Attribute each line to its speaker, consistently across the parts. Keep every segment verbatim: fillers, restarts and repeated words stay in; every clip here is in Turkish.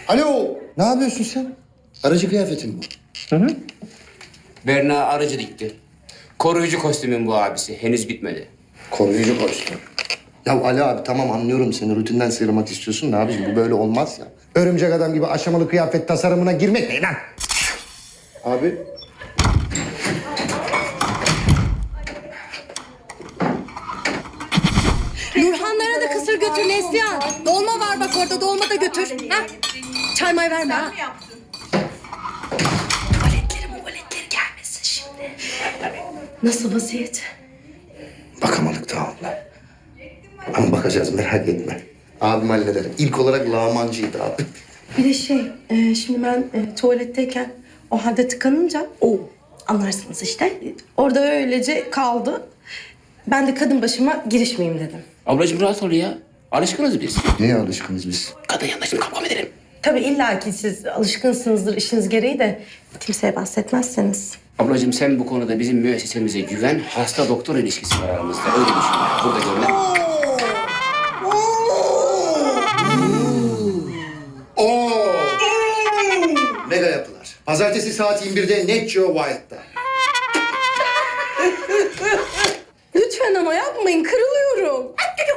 Speaker 1: Alo, ne yapıyorsun sen? Aracı kıyafetin bu.
Speaker 2: Hı hı. Berna aracı dikti. Koruyucu kostümün bu abisi. Henüz bitmedi.
Speaker 1: Koruyucu kostüm. Ya Ali abi tamam anlıyorum seni. Rutinden sıyrılmak istiyorsun da abiciğim bu böyle olmaz ya. Örümcek adam gibi aşamalı kıyafet tasarımına girmek ne lan? Abi.
Speaker 3: Nurhanlara da kısır götür Neslihan. Dolma var bak orada, dolma da götür. Ha? Çarmay verme ha. Tuvaletleri muvaletleri gelmesin şimdi. Nasıl vaziyet?
Speaker 1: Bakamadık daha abla. Ama bakacağız merak etme. Abim halleder. İlk olarak lağmancıydı abi.
Speaker 4: Bir de şey, e, şimdi ben e, tuvaletteyken o halde tıkanınca, o anlarsınız işte. E, orada öylece kaldı. Ben de kadın başıma girişmeyeyim dedim.
Speaker 2: Ablacığım rahat ol ya. Alışkınız biz.
Speaker 1: Neye alışkınız biz?
Speaker 2: Kadın yanında şimdi kavga mı edelim?
Speaker 4: Tabii illa ki siz alışkınsınızdır işiniz gereği de kimseye bahsetmezseniz.
Speaker 2: Ablacığım sen bu konuda bizim müessesemize güven. Hasta doktor ilişkisi var aramızda. Öyle düşün. Burada görünen.
Speaker 1: Oo! Mega yapılar. Pazartesi saat yirmi birde Net Geo Wild'da.
Speaker 4: Lütfen ama yapmayın, kırılıyorum.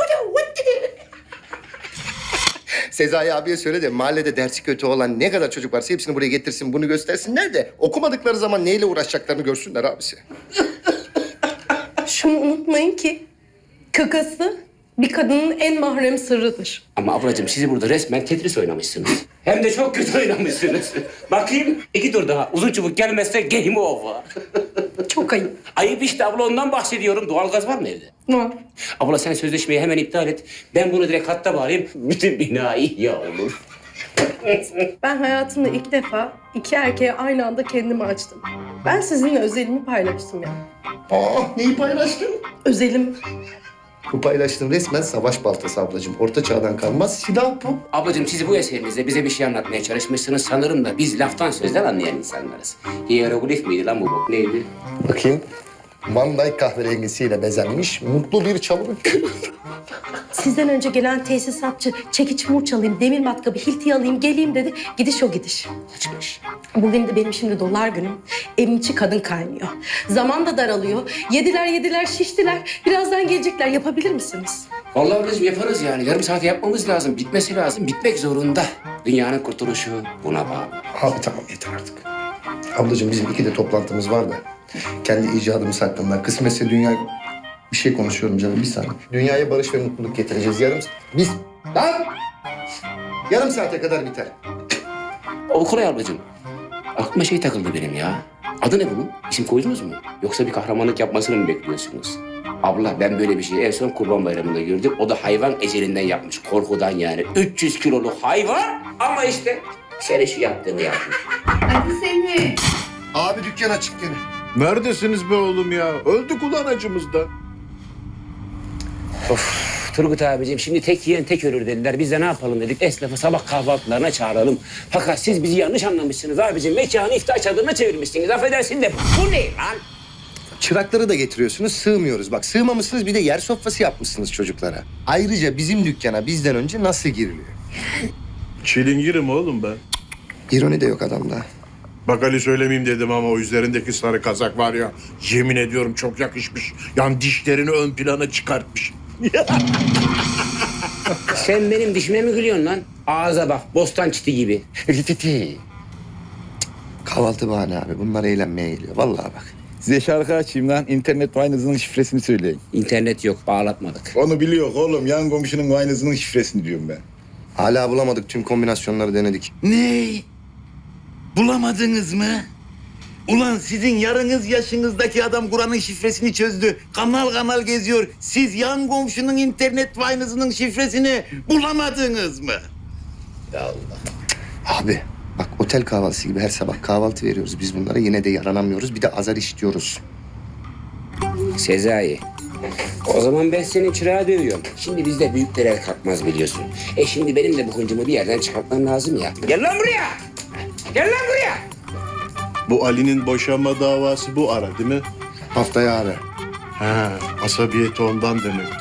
Speaker 1: Sezai abiye söyle de mahallede dersi kötü olan ne kadar çocuk varsa hepsini buraya getirsin, bunu göstersinler de okumadıkları zaman neyle uğraşacaklarını görsünler abisi.
Speaker 4: Şunu unutmayın ki kakası bir kadının en mahrem sırrıdır.
Speaker 2: Ama ablacığım sizi burada resmen Tetris oynamışsınız. Hem de çok kötü oynamışsınız. Bakayım iki tur daha. Uzun çubuk gelmezse game over.
Speaker 4: Çok ayıp.
Speaker 2: Ayıp işte abla, ondan bahsediyorum. Doğalgaz var mı evde?
Speaker 4: Var.
Speaker 2: Abla sen sözleşmeyi hemen iptal et. Ben bunu direkt hatta bağlayayım. Bütün bina ihya olur.
Speaker 4: Ben hayatımda ilk defa iki erkeğe aynı anda kendimi açtım. Ben sizinle özelimi paylaştım ya.
Speaker 1: Aa, neyi paylaştın?
Speaker 4: Özelim.
Speaker 1: Bu paylaştığın resmen savaş baltası ablacığım. Orta çağdan kalmaz silah bu.
Speaker 2: Ablacığım siz bu eserinizde bize bir şey anlatmaya çalışmışsınız. Sanırım da biz laftan sözden anlayan insanlarız. Hieroglif miydi lan bu bok? Neydi?
Speaker 1: Bakayım. Van Dyke kahverengisiyle bezenmiş mutlu bir çalım.
Speaker 4: Sizden önce gelen tesisatçı çekiç murç alayım, demir matkabı, hilti alayım, geleyim dedi. Gidiş o gidiş.
Speaker 2: Kaçmış.
Speaker 4: Bugün de benim şimdi dolar günüm. Evin içi kadın kaynıyor. Zaman da daralıyor. Yediler yediler şiştiler. Birazdan gelecekler. Yapabilir misiniz?
Speaker 2: Vallahi ablacığım yaparız yani. Yarım saat yapmamız lazım. Bitmesi lazım. Bitmek zorunda. Dünyanın kurtuluşu buna bağlı.
Speaker 1: Abi tamam yeter artık. Ablacığım bizim iki de toplantımız var da. Kendi icadımız hakkında. Kısmetse dünya... Bir şey konuşuyorum canım bir saniye. Dünyaya barış ve mutluluk getireceğiz yarım... Biz... Lan! Yarım saate kadar biter.
Speaker 2: O kolay ablacığım. Aklıma şey takıldı benim ya. Adı ne bunun? İsim koydunuz mu? Yoksa bir kahramanlık yapmasını mı bekliyorsunuz? Abla ben böyle bir şeyi en son Kurban Bayramı'nda gördüm. O da hayvan ecelinden yapmış. Korkudan yani. üç yüz kiloluk hayvan ama işte senin şu yaptığını yapmış.
Speaker 5: Hadi seni.
Speaker 1: Abi dükkan açık gene.
Speaker 6: Neredesiniz be oğlum ya? Öldük ulan acımızdan.
Speaker 2: Of Turgut abicim şimdi tek yiyen tek ölür dediler. Biz de ne yapalım dedik. Esnafı sabah kahvaltılarına çağıralım. Fakat siz bizi yanlış anlamışsınız abicim. Mekanı iftar çadırına çevirmişsiniz. Affedersin de bu ne lan?
Speaker 1: Çırakları da getiriyorsunuz, sığmıyoruz. Bak sığmamışsınız bir de yer sofrası yapmışsınız çocuklara. Ayrıca bizim dükkana bizden önce nasıl giriliyor?
Speaker 6: Çilingirim oğlum ben.
Speaker 1: İroni de yok adamda.
Speaker 6: Bak Ali söylemeyeyim dedim ama o üzerindeki sarı kazak var ya, yemin ediyorum çok yakışmış. Yani dişlerini ön plana çıkartmış.
Speaker 2: Sen benim dişime mi gülüyorsun lan? Ağza bak, bostan çiti gibi. Rititi.
Speaker 1: Kahvaltı bahane abi. Bunlar eğlenmeye geliyor. Vallahi bak.
Speaker 7: Size şarkı açayım lan. İnternet Wine'ınızın şifresini söyleyin.
Speaker 2: İnternet yok, bağlatmadık.
Speaker 7: Onu biliyor oğlum. Yan komşunun Wine'ınızın şifresini diyorum ben.
Speaker 1: Hala bulamadık. Tüm kombinasyonları denedik.
Speaker 7: Ne? Bulamadınız mı? Ulan sizin yarınız yaşınızdaki adam Kur'an'ın şifresini çözdü. Kanal kanal geziyor. Siz yan komşunun internet Wine'ınızın şifresini bulamadınız mı? Ya Allah.
Speaker 1: Abi bak otel kahvaltısı gibi her sabah kahvaltı veriyoruz biz bunlara. Yine de yaranamıyoruz. Bir de azar işliyoruz.
Speaker 2: Sezai. O zaman ben senin çırağı dövüyorum. Şimdi bizde büyükler el kalkmaz biliyorsun. E şimdi benim de bu hıncımı bir yerden çıkartmam lazım ya. Gel lan buraya! Gel lan buraya!
Speaker 6: Bu Ali'nin boşanma davası bu ara değil mi?
Speaker 1: Haftaya abi.
Speaker 6: Ha, asabiyeti ondan demek.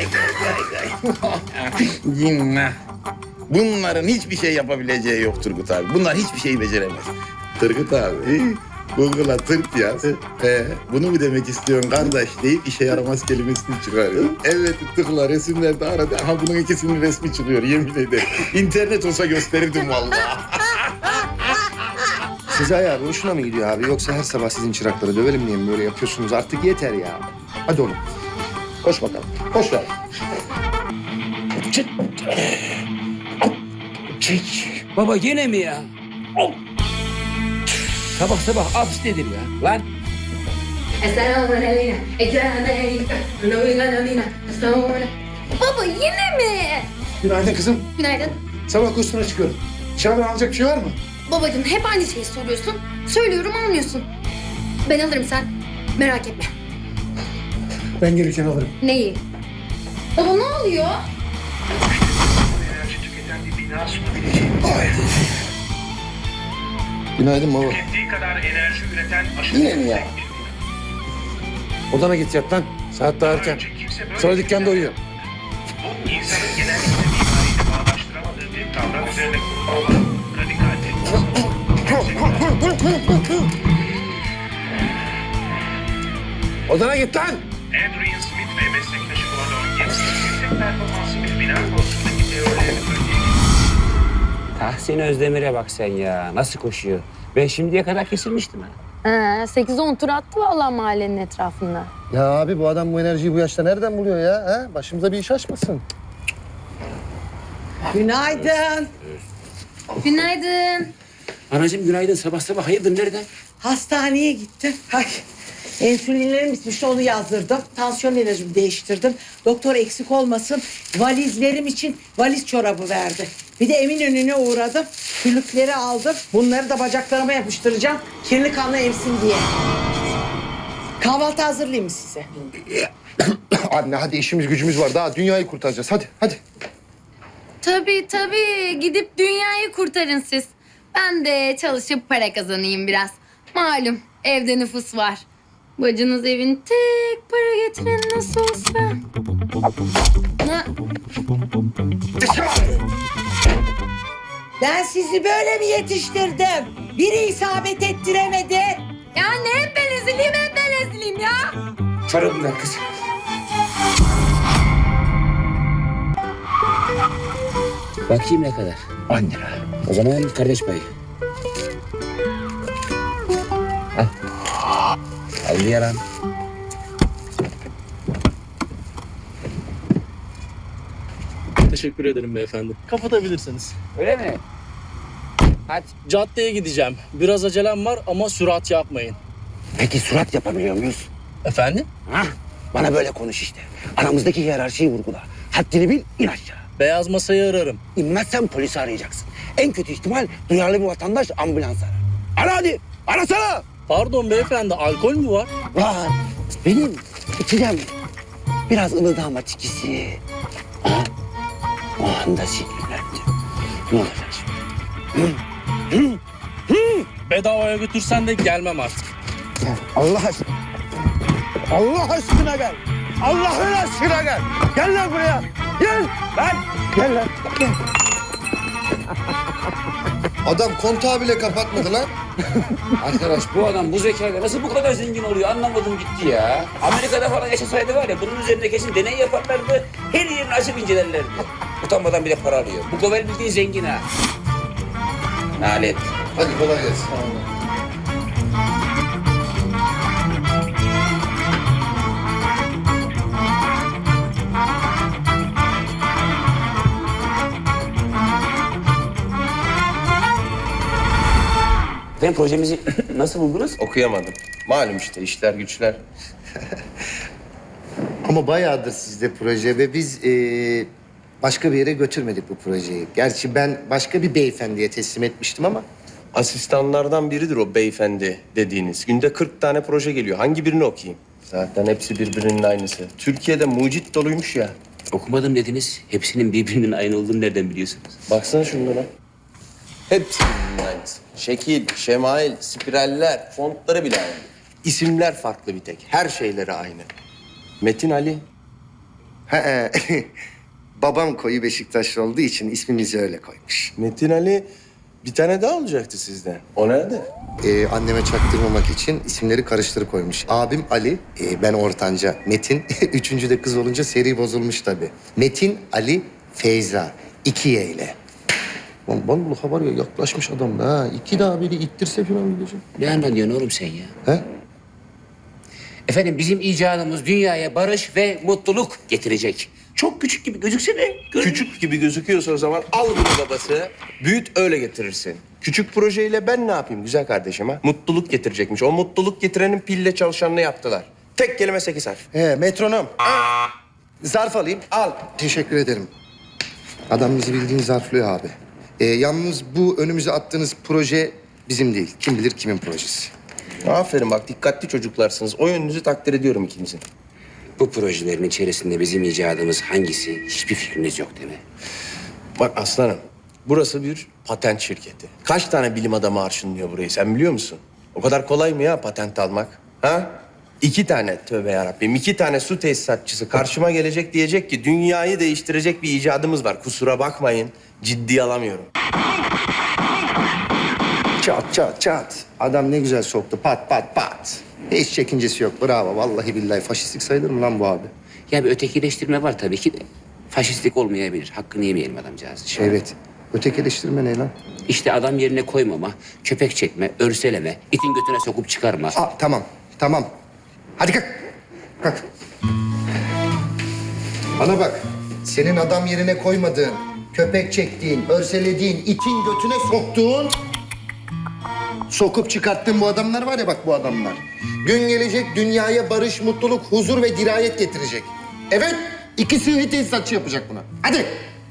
Speaker 7: Cinnah. Bunların hiçbir şey yapabileceği yok Turgut abi. Bunlar hiçbir şeyi beceremez. Turgut abi, Google'a tırt yaz. Ee, bunu mu demek istiyorsun kardeş deyip işe yaramaz kelimesini çıkarıyor. Evet tıkla resimlerde aradı. Aha bunun ikisinin resmi çıkıyor yemin ederim. İnternet olsa gösterirdim vallahi.
Speaker 1: Sezai abi hoşuna mı gidiyor abi? Yoksa her sabah sizin çırakları dövelim diye mi böyle yapıyorsunuz? Artık yeter ya. Hadi oğlum. Koş bakalım. Koş ver.
Speaker 2: Çek. Baba gene mi ya? Oh. Sabah sabah abs nedir ya? Lan.
Speaker 3: Baba yine mi?
Speaker 1: Günaydın kızım.
Speaker 3: Günaydın.
Speaker 1: Sabah kursuna çıkıyorum. Dışarıdan alacak bir şey var mı?
Speaker 3: Babacığım hep aynı şeyi soruyorsun. Söylüyorum almıyorsun. Ben alırım sen. Merak etme.
Speaker 1: Ben gelirken alırım.
Speaker 3: Neyi? Baba ne oluyor?
Speaker 5: enerji tüketen bir bina sunabileceği
Speaker 1: Günaydın baba.
Speaker 5: tükettiği kadar enerji üreten aşırı
Speaker 1: Yine mi ya?
Speaker 5: yüksek bir bina.
Speaker 6: Odana git yat lan. Saat daha erken.
Speaker 5: Önce kimse böyle
Speaker 6: Sonra
Speaker 5: bir
Speaker 6: dükkanda
Speaker 5: şey
Speaker 6: uyuyor.
Speaker 5: Bu insanın genellikle mimariyle bağdaştıramadığı bir kavram üzerine kurulu olan radikal
Speaker 6: Odana git lan.
Speaker 5: Adrian Smith ve meslektaşı Gordon Gibbs yüksek performanslı bir bina konusundaki teorilerini öteye
Speaker 2: Tahsin Özdemir'e bak sen ya. Nasıl koşuyor? Ben şimdiye kadar kesilmiştim ha.
Speaker 8: Ee, sekiz on tur attı vallahi mahallenin etrafında.
Speaker 1: Ya abi bu adam bu enerjiyi bu yaşta nereden buluyor ya? Ha? Başımıza bir iş açmasın.
Speaker 9: Günaydın.
Speaker 3: Günaydın.
Speaker 2: Anacığım günaydın. Sabah sabah hayırdır nereden?
Speaker 9: Hastaneye gittim. Ay, insülinlerim bitmişti onu yazdırdım. Tansiyon ilacımı değiştirdim. Doktor eksik olmasın valizlerim için valiz çorabı verdi. Bir de Eminönü'ne uğradım. Küllükleri aldım. Bunları da bacaklarıma yapıştıracağım. Kirli kanla emsin diye. Kahvaltı hazırlayayım mı size?
Speaker 1: Anne hadi işimiz gücümüz var. Daha dünyayı kurtaracağız. Hadi hadi.
Speaker 3: Tabii tabii. Gidip dünyayı kurtarın siz. Ben de çalışıp para kazanayım biraz. Malum evde nüfus var. Bacınız evin tek para getiren nasıl olsa. Ne?
Speaker 9: Ben sizi böyle mi yetiştirdim? Biri isabet ettiremedi.
Speaker 3: Ya ne hep ben ezileyim hep ben ezileyim ya.
Speaker 2: Çorabından kız. Bakayım ne kadar?
Speaker 1: On lira.
Speaker 2: O zaman kardeş payı. Al. Al yaran.
Speaker 10: Teşekkür ederim beyefendi. Kapatabilirsiniz.
Speaker 2: Öyle mi? Hadi.
Speaker 10: Caddeye gideceğim. Biraz acelem var ama sürat yapmayın.
Speaker 11: Peki surat yapabiliyor muyuz?
Speaker 10: Efendim?
Speaker 11: Hah, bana böyle konuş işte. Aramızdaki hiyerarşiyi vurgula. Haddini bil, in aşağı.
Speaker 10: Beyaz masayı ararım.
Speaker 11: İnmezsen polisi arayacaksın. En kötü ihtimal duyarlı bir vatandaş ambulans arar. Ara hadi, arasana.
Speaker 10: Pardon beyefendi, alkol mü var?
Speaker 11: Var, benim içeceğim. Biraz ılıdağma çikisi. Ha? O anda sinirlendim. Ne olacak şimdi? Hı? Hı? Hı?
Speaker 10: Bedavaya götürsen de gelmem artık.
Speaker 11: Gel, Allah aşkına. Allah aşkına gel. Allah'ın aşkına gel. Gel lan buraya. Gel lan. Gel lan. Gel.
Speaker 1: Adam kontağı bile kapatmadı lan.
Speaker 2: Arkadaş bu adam bu zekayla nasıl bu kadar zengin oluyor anlamadım gitti ya. Amerika'da falan yaşasaydı var ya bunun üzerinde kesin deney yaparlardı. Her yerini açıp incelerlerdi. Utanmadan bir de para alıyor. Bu Govel bildiğin zengin ha. Nalet.
Speaker 1: Hadi kolay gelsin.
Speaker 2: Efendim projemizi nasıl buldunuz?
Speaker 12: Okuyamadım. Malum işte işler güçler.
Speaker 1: Ama bayağıdır sizde proje ve biz eee, başka bir yere götürmedik bu projeyi. Gerçi ben başka bir beyefendiye teslim etmiştim ama
Speaker 12: Asistanlardan biridir o beyefendi dediğiniz. Günde kırk tane proje geliyor. Hangi birini okuyayım? Zaten hepsi birbirinin aynısı. Türkiye'de mucit doluymuş ya.
Speaker 2: Okumadım dediniz. Hepsinin birbirinin aynı olduğunu nereden biliyorsunuz?
Speaker 12: Baksana şunlara. Hepsi birbirinin aynısı. Şekil, şemail, spiraller, fontları bile aynı. İsimler farklı bir tek. Her şeyleri aynı. Metin Ali.
Speaker 1: He, babam koyu Beşiktaşlı olduğu için ismimizi öyle koymuş.
Speaker 12: Metin Ali bir tane daha olacaktı sizden. O nerede?
Speaker 1: Ee, anneme çaktırmamak için isimleri karıştırıp koymuş. Abim Ali, e, ben ortanca Metin. Üçüncü de kız olunca seri bozulmuş tabii. Metin Ali Feyza. İki Y ile. Lan vallahi var ya yaklaşmış adam da ha. İki daha biri ittirse falan gideceğim.
Speaker 2: Ne anlatıyorsun oğlum sen ya?
Speaker 1: He?
Speaker 2: Efendim bizim icadımız dünyaya barış ve mutluluk getirecek. Çok küçük gibi gözükse de... gör-
Speaker 12: Küçük gibi gözüküyorsa o zaman al bunu babası. Büyüt öyle getirirsin. Küçük projeyle ben ne yapayım güzel kardeşim ha? Mutluluk getirecekmiş. O mutluluk getirenin pille çalışanını yaptılar. Tek kelime sekiz harf.
Speaker 1: He, metronom. Zarf alayım. Al. Teşekkür ederim. Adam bizi bildiğin zarflıyor abi. Ee, yalnız bu önümüze attığınız proje bizim değil. Kim bilir kimin projesi.
Speaker 12: Aferin bak dikkatli çocuklarsınız. O yönünüzü takdir ediyorum ikinizin.
Speaker 2: Bu projelerin içerisinde bizim icadımız hangisi hiçbir fikriniz yok değil mi?
Speaker 12: Bak aslanım, burası bir patent şirketi. Kaç tane bilim adamı arşınlıyor burayı sen biliyor musun? O kadar kolay mı ya patent almak? Ha? İki tane tövbe yarabbim, iki tane su tesisatçısı karşıma gelecek diyecek ki dünyayı değiştirecek bir icadımız var. Kusura bakmayın, ciddiye alamıyorum.
Speaker 1: Çat çat çat. Adam ne güzel soktu. Pat pat pat. Hiç çekincesi yok. Bravo. Vallahi billahi faşistlik sayılır mı lan bu abi?
Speaker 2: Ya bir ötekileştirme var tabii ki de. Faşistlik olmayabilir. Hakkını yemeyelim adamcağız.
Speaker 1: Evet. Ötekileştirme ne lan?
Speaker 2: İşte adam yerine koymama, köpek çekme, örseleme, itin götüne sokup çıkarma.
Speaker 1: Aa, tamam. Tamam. Hadi kalk. Kalk. Bana bak. Senin adam yerine koymadığın, köpek çektiğin, örselediğin, itin götüne soktuğun... Sokup çıkarttığın bu adamlar var ya bak bu adamlar. Gün gelecek dünyaya barış, mutluluk, huzur ve dirayet getirecek. Evet, iki sığ tesisatçı yapacak buna. Hadi.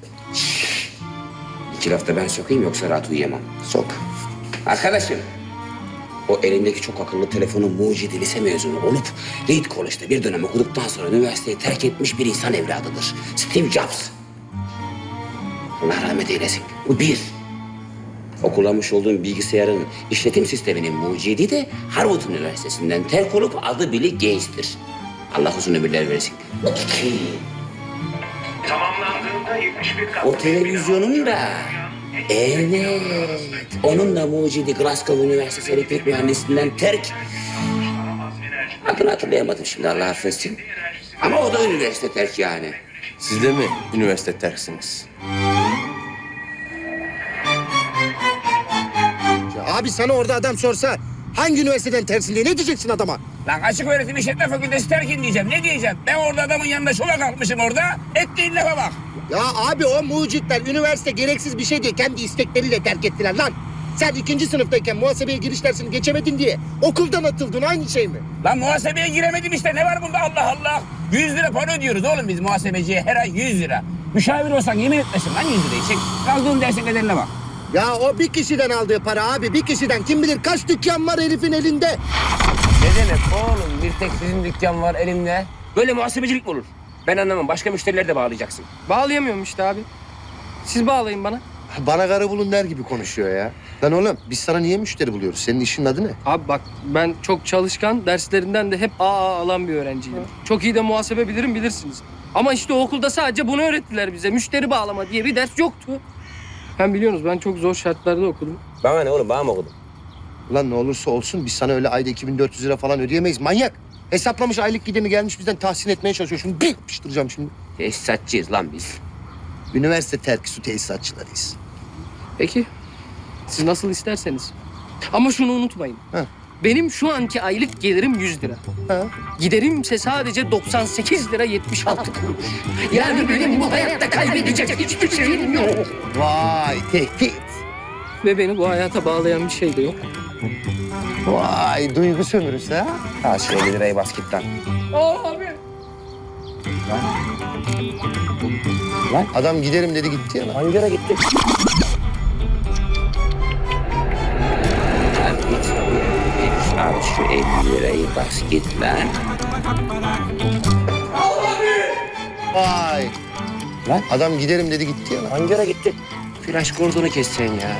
Speaker 2: İki lafta ben sokayım yoksa rahat uyuyamam.
Speaker 1: Sok.
Speaker 2: Arkadaşım, o elindeki çok akıllı telefonun mucidi lise mezunu olup Reed College'da bir dönem okuduktan sonra üniversiteyi terk etmiş bir insan evladıdır. Steve Jobs. Allah rahmet eylesin. Bu bir. O kullanmış olduğum bilgisayarın işletim sisteminin mucidi de Harvard Üniversitesi'nden terk olup adı Bill Gates'tir. Allah uzun ömürler versin. İki.
Speaker 5: Tamamlandığında yetmiş bir katlı
Speaker 2: O televizyonun da evet, onun da mucidi Glasgow Üniversitesi elektrik mühendisliğinden terk. Adını hatırlayamadım şimdi Allah affetsin. Ama o da üniversite terk yani.
Speaker 12: Siz de mi üniversite terksiniz?
Speaker 1: Abi sana orada adam sorsa hangi üniversiteden tersin diye ne diyeceksin adama?
Speaker 2: Lan açık öğretim işletme fakültesi terkin diyeceğim. Ne diyeceğim? Ben orada adamın yanında şola kalkmışım orada. Ettiğin lafa bak.
Speaker 1: Ya abi o mucitler üniversite gereksiz bir şey diye kendi istekleriyle terk ettiler lan. Sen ikinci sınıftayken muhasebeye giriş dersini geçemedin diye okuldan atıldın aynı şey mi?
Speaker 2: Lan muhasebeye giremedim işte. Ne var bunda Allah Allah? Yüz lira para ödüyoruz oğlum biz muhasebeciye her ay yüz lira. Müşavir olsan yemin etmesin lan yüz lirayı. Çek. Kaldığın dersin kaderine bak.
Speaker 1: Ya o bir kişiden aldığı para abi bir kişiden. Kim bilir kaç dükkan var herifin elinde.
Speaker 2: Ne demek oğlum? Bir tek sizin dükkan var elimde. Böyle muhasebecilik mi olur? Ben anlamam. Başka müşterileri de bağlayacaksın.
Speaker 10: Bağlayamıyorum işte abi. Siz bağlayın bana.
Speaker 1: Bana karı bulun der gibi konuşuyor ya. Lan oğlum biz sana niye müşteri buluyoruz? Senin işin adı ne?
Speaker 10: Abi bak ben çok çalışkan, derslerinden de hep A A alan bir öğrenciydim. Çok iyi de muhasebe bilirim bilirsiniz. Ama işte o okulda sadece bunu öğrettiler bize. Müşteri bağlama diye bir ders yoktu. Hem biliyorsunuz ben çok zor şartlarda okudum.
Speaker 2: Bana ne oğlum? Bana mı okudun?
Speaker 1: Ulan ne olursa olsun biz sana öyle ayda iki bin dört yüz lira falan ödeyemeyiz. Manyak. Hesaplamış aylık gidemi gelmiş bizden tahsin etmeye çalışıyor. Şunu bir yapıştıracağım şimdi.
Speaker 2: Tesisatçıyız lan biz.
Speaker 1: Üniversite terki su tesisatçılarıyız.
Speaker 10: Peki. Siz nasıl isterseniz. Ama şunu unutmayın.
Speaker 1: Ha.
Speaker 10: Benim şu anki aylık gelirim yüz lira.
Speaker 1: Ha.
Speaker 10: Giderimse sadece doksan sekiz lira yetmiş altı kuruş. Yani benim bu hayatta kaybedecek hiçbir şeyim yok.
Speaker 1: Vay tehdit.
Speaker 10: Ve beni bu hayata bağlayan bir şey de yok.
Speaker 1: Vay duygu sömürüsü ha.
Speaker 2: Ha şöyle bir lirayı bas git lan.
Speaker 10: Abi.
Speaker 2: Lan.
Speaker 1: Adam giderim dedi gitti ya lan.
Speaker 2: Hangi yere gitti? Abi şu elli lirayı bas git lan.
Speaker 1: Vay.
Speaker 2: Lan.
Speaker 1: Adam giderim dedi gitti ya lan.
Speaker 2: Hangi yere gitti? Flaş kordonu kessen ya.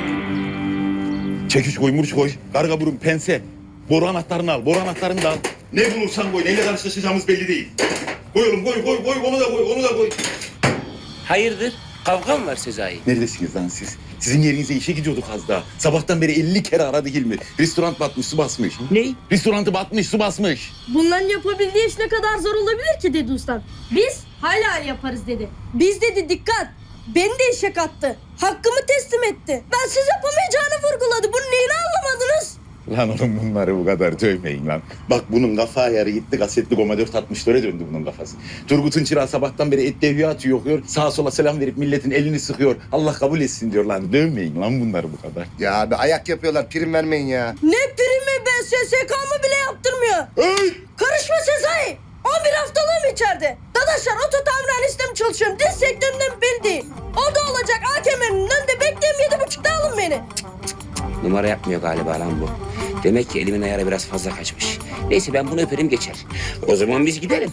Speaker 7: Çekiç koy, murç koy, karga burun, pense. Boru anahtarını al, boru anahtarını da al. Ne bulursan koy, neyle karşılaşacağımız belli değil. Koy oğlum, koy, koy, koy, onu da koy, onu da koy.
Speaker 2: Hayırdır? Kavga mı var Sezai?
Speaker 7: Neredesiniz lan siz? Sizin yerinize işe gidiyorduk az daha. Sabahtan beri elli kere aradı Hilmi. Restoran batmış, su basmış.
Speaker 2: Ne?
Speaker 7: Restorantı batmış, su basmış.
Speaker 4: Bunların yapabildiği iş ne kadar zor olabilir ki dedi ustam. Biz halal yaparız dedi. Biz dedi dikkat. Beni de işe kattı. Hakkımı teslim etti. Ben siz yapamayacağını vurguladı. Bunu neyini anlamadınız?
Speaker 7: Lan oğlum bunları bu kadar dövmeyin lan. Bak bunun kafa ayarı gitti, kasetli Goma dört altmış döre döndü bunun kafası. Turgut'un çırağı sabahtan beri et devriye atıyor, okuyor. Sağa sola selam verip milletin elini sıkıyor. Allah kabul etsin diyor lan. Dövmeyin lan bunları bu kadar.
Speaker 1: Ya abi ayak yapıyorlar, prim vermeyin ya.
Speaker 4: Ne primi be S S K mı bile yaptırmıyor.
Speaker 7: Hey!
Speaker 4: Karışma Sezai. on bir haftalığım içeride. Dadaşlar oto tamirhanesinde mi çalışıyorum? Diz sektöründe mi belli değil. O da olacak. A kemerinin önünde bekleyeyim yedi buçukta alın beni.
Speaker 2: Numara yapmıyor galiba lan bu. Demek ki elimin ayarı biraz fazla kaçmış. Neyse ben bunu öperim geçer. O zaman biz gidelim.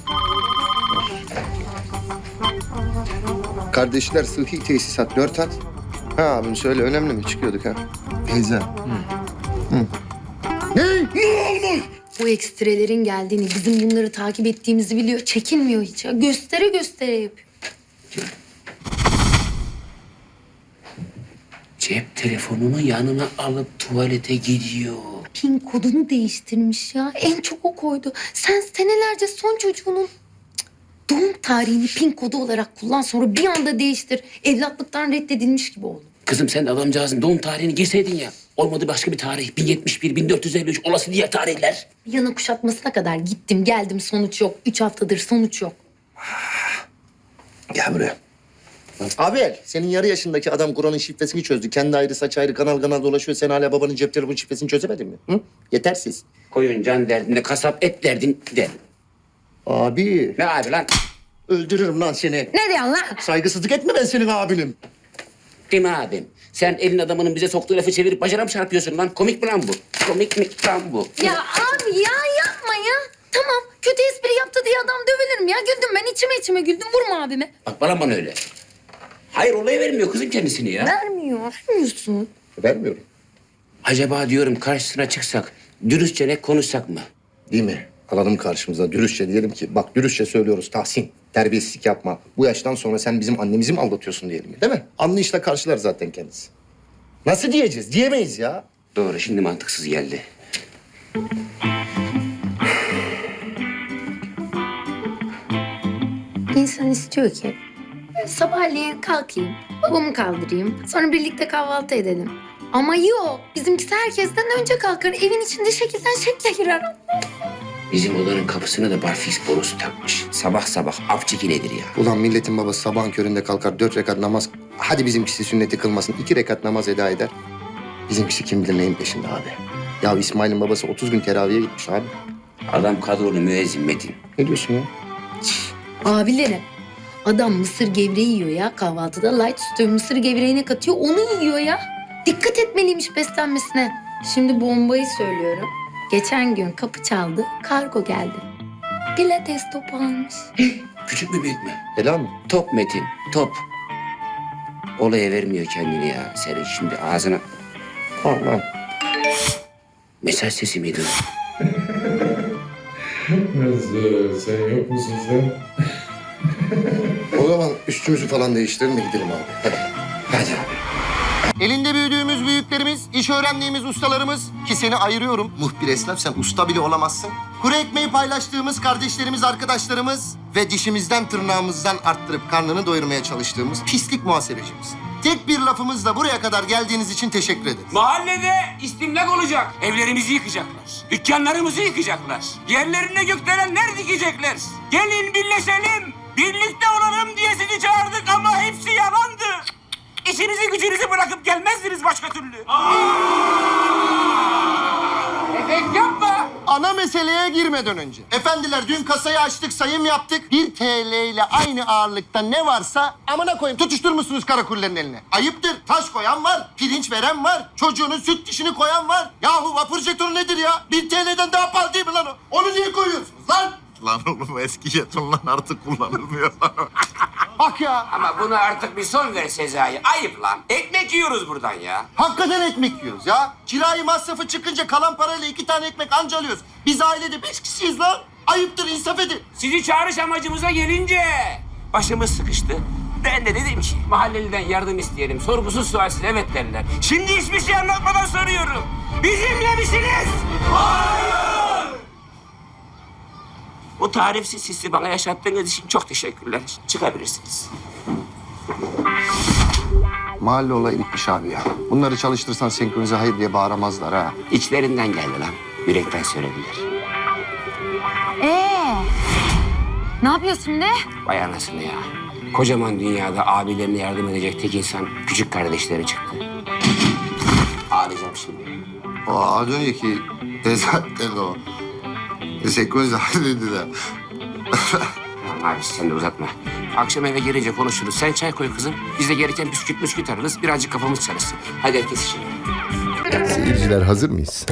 Speaker 1: Kardeşler sıhhi tesisat dört at. Ha abim söyle önemli mi? Çıkıyorduk ha. Teyze. Hı. Hı. Ne? Ne olmuş?
Speaker 3: Bu ekstrelerin geldiğini, bizim bunları takip ettiğimizi biliyor. Çekinmiyor hiç ya. Göstere göstere yapıyor.
Speaker 2: Cep telefonunu yanına alıp tuvalete gidiyor.
Speaker 3: Pin kodunu değiştirmiş ya. En çok o koydu. Sen senelerce son çocuğunun cık, doğum tarihini pin kodu olarak kullan, sonra bir anda değiştir. Evlatlıktan reddedilmiş gibi oldu.
Speaker 2: Kızım sen de adamcağızın doğum tarihini girseydin ya. Olmadı başka bir tarih. bin yetmiş bir, bin dört yüz elli üç olası diğer tarihler.
Speaker 3: Bir yana kuşatmasına kadar gittim geldim, sonuç yok. Üç haftadır sonuç yok.
Speaker 1: Gel buraya. Abi senin yarı yaşındaki adam Kur'an'ın şifresini çözdü. Kendi ayrı saç ayrı kanal kanal dolaşıyor. Sen hala babanın cep telefonu şifresini çözemedin mi? Hı? Yetersiz.
Speaker 2: Koyun can derdinde, kasap et derdin de.
Speaker 1: Abi
Speaker 2: Ne abi lan?
Speaker 1: öldürürüm lan seni.
Speaker 3: Ne diyorsun lan?
Speaker 1: Saygısızlık etme, ben senin abinim.
Speaker 2: Değil mi abim? Sen elin adamının bize soktuğu lafı çevirip bacana mı çarpıyorsun lan? Komik mi lan bu? Komik mi lan bu?
Speaker 3: Ya abi ya yapma ya. Tamam, kötü espri yaptı diye adam dövülür mü ya? Güldüm ben, içime içime güldüm. Vurma abime.
Speaker 2: Bak bana bana öyle. Hayır olaya vermiyor kızım kendisini ya.
Speaker 3: Vermiyor, vermiyorsun.
Speaker 1: Vermiyorum.
Speaker 2: Acaba diyorum karşısına çıksak, dürüstçe ne konuşsak mı?
Speaker 1: Değil mi? Alalım karşımıza dürüstçe diyelim ki bak dürüstçe söylüyoruz Tahsin. Terbiyesizlik yapma. Bu yaştan sonra sen bizim annemizi mi aldatıyorsun diyelim, değil mi? Anlayışla karşılar zaten kendisi. Nasıl diyeceğiz? Diyemeyiz ya.
Speaker 2: Doğru, şimdi mantıksız geldi.
Speaker 3: İnsan istiyor ki sabahleyin kalkayım, babamı kaldırayım, sonra birlikte kahvaltı edelim. Ama yok, bizimkisi herkesten önce kalkar, evin içinde şekilden şekle girer.
Speaker 2: Bizim odanın kapısına da barfiks borusu takmış. Sabah sabah af çeki nedir ya?
Speaker 1: Ulan milletin babası sabahın köründe kalkar dört rekat namaz. Hadi bizimkisi sünneti kılmasın, iki rekat namaz eda eder. Bizimkisi kim bilir neyin peşinde abi. Ya İsmail'in babası otuz gün teraviye gitmiş abi.
Speaker 2: Adam kadrolu müezzin Metin.
Speaker 1: Ne diyorsun ya?
Speaker 3: Abilerim, adam mısır gevreği yiyor ya kahvaltıda. Light sütü mısır gevreğine katıyor, onu yiyor ya. Dikkat etmeliymiş beslenmesine. Şimdi bombayı söylüyorum. Geçen gün kapı çaldı, kargo geldi. Pilates topu almış.
Speaker 2: Küçük mü büyük mü?
Speaker 1: Helal mi?
Speaker 2: Top Metin, top. Olaya vermiyor kendini ya. Senin şimdi ağzına...
Speaker 1: Allah.
Speaker 2: Mesaj sesi miydi?
Speaker 6: Nasıl? Sen yok musun sen?
Speaker 1: O zaman üstümüzü falan değiştirelim de gidelim abi. Hadi.
Speaker 2: Hadi abi.
Speaker 1: Elinde büyüdüğümüz büyüklerimiz, iş öğrendiğimiz ustalarımız ki seni ayırıyorum. Muhbir esnaf, sen usta bile olamazsın. Kuru ekmeği paylaştığımız kardeşlerimiz, arkadaşlarımız ve dişimizden tırnağımızdan arttırıp karnını doyurmaya çalıştığımız pislik muhasebecimiz. Tek bir lafımızla buraya kadar geldiğiniz için teşekkür ederiz.
Speaker 13: Mahallede istimlak olacak. Evlerimizi yıkacaklar. Dükkanlarımızı yıkacaklar. Yerlerine gökdelenler dikecekler. Gelin birleşelim. Birlikte olalım diye sizi çağırdık ama hepsi yalandı. İşinizi gücünüzü bırakıp gelmezdiniz başka türlü. Efekt yapma.
Speaker 1: Ana meseleye girmeden önce. Efendiler dün kasayı açtık, sayım yaptık. Bir T L ile aynı ağırlıkta ne varsa amına koyayım tutuşturmuşsunuz karakullerin eline. Ayıptır. Taş koyan var, pirinç veren var, çocuğunun süt dişini koyan var. Yahu vapur jetonu nedir ya? Bir T L'den daha pahalı değil mi lan o? Onu niye koyuyorsunuz lan?
Speaker 7: Lan oğlum eski jetonlar artık kullanılmıyor lan.
Speaker 11: Bak ya.
Speaker 13: Ama buna artık bir son ver Sezai. Ayıp lan. Ekmek yiyoruz buradan ya.
Speaker 11: Hakikaten ekmek yiyoruz ya. Kirayı masrafı çıkınca kalan parayla iki tane ekmek anca alıyoruz. Biz ailede beş kişiyiz lan. Ayıptır, insaf edin.
Speaker 13: Sizi çağırış amacımıza gelince başımız sıkıştı. Ben de dedim ki mahalleliden yardım isteyelim. Sorgusuz sualsiz evet derler. Şimdi hiçbir şey anlatmadan soruyorum. Bizimle misiniz? Hayır! Bu tarifsiz hissi bana yaşattığınız için çok teşekkürler. Çıkabilirsiniz.
Speaker 1: Mahalle olayı bitmiş abi ya. Bunları çalıştırsan senkronize hayır diye bağıramazlar ha.
Speaker 2: İçlerinden geldi lan. Yürekten söylediler.
Speaker 3: Ee, ne yapıyorsun şimdi?
Speaker 2: Vay anasını ya. Kocaman dünyada abilerine yardım edecek tek insan küçük kardeşleri çıktı. Ağlayacağım şimdi.
Speaker 1: O az önceki tezatten o. Senkronize hayır dediler.
Speaker 2: Tamam abi sen de uzatma. Akşam eve gelince konuşuruz. Sen çay koy kızım. Biz de gereken bisküvit bisküvit ararız. Birazcık kafamız çalışsın. Hadi herkes işine.
Speaker 1: Seyirciler hazır mıyız?